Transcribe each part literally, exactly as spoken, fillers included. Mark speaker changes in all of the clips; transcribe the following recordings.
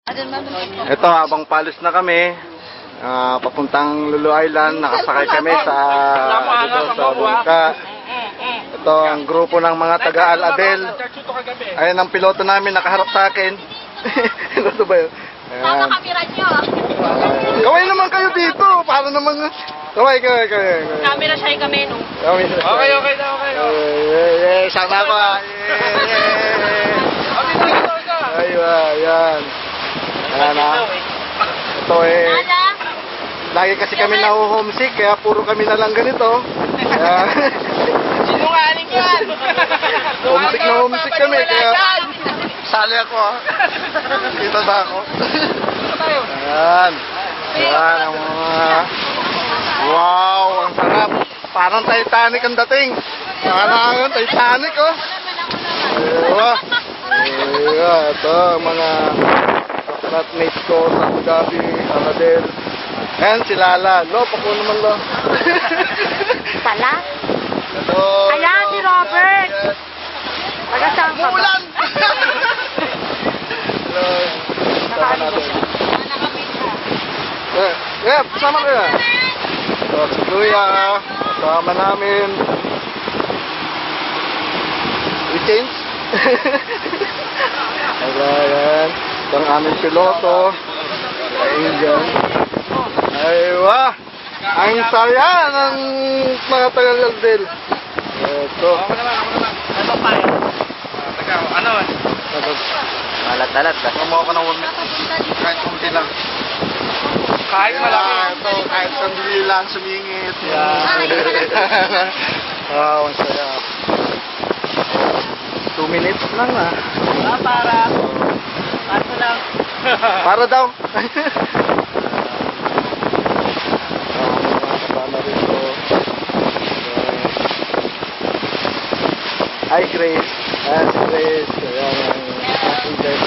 Speaker 1: Ito, habang palis na kami, uh, papuntang Lulu Island, nakasakay kami sa, dito, sa bangka. Ito ang grupo ng mga taga-Al-Adel. Ayan ang piloto namin, nakaharap sa akin. Piloto ba yun?
Speaker 2: Tama kamera nyo.
Speaker 1: Kaway naman kayo dito, para naman... Kaway, kaway, kaway.
Speaker 2: Camera shy kami, no?
Speaker 1: Okay, okay na, okay na. Eh, sama ko ah. Ayun, ayan. Ayan ah. Ito eh. Lagi kasi kami na-homesick, kaya puro kami na lang ganito.
Speaker 2: Sinungaling yan!
Speaker 1: Homesick na homesick kami, kaya sali ako ah. Kita ba ako? Ayan. Ayan ang mga... Wow, ang sarap. Parang Titanic ang dating. Parang Titanic oh. Diba? Diba? Ito mga flatmates ko sa Abu Dhabi, Al-Adel. Ayan si Lala. Lo, pakuha naman lo.
Speaker 2: Pala?
Speaker 1: Ito.
Speaker 2: Ayan si Robert. Taga-saan ka ba?
Speaker 1: Umulan! Hello. Sama natin. Eh, eh, sama kayo. So, si Kuya, kasama namin. We change? Ayan. Ito ang aming piloto. Ayun dyan. Aywa! Ang saya ng mga taga-Al-Adel. Ito.
Speaker 3: Ako naman, ako naman. Ano pa eh? Taga, ano eh?
Speaker 1: Malat-alat. Kasama mo ako ng one minute. Kahit kumti lang.
Speaker 3: Kahit malaki.
Speaker 1: Ito, kahit sandali lang, sumingit. Yan. Wow, ang saya. Two minutes lang ah.
Speaker 3: Ah, para. Paso lang.
Speaker 1: Para daw. Kasama rito. Hi Grace. Ayan si Grace. Ayan ang ating Grace.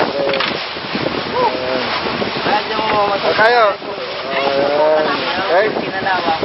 Speaker 1: Ayan.
Speaker 3: Medyo mo
Speaker 1: Ah, kayo. Ayan. Okay.
Speaker 3: Kinalawa.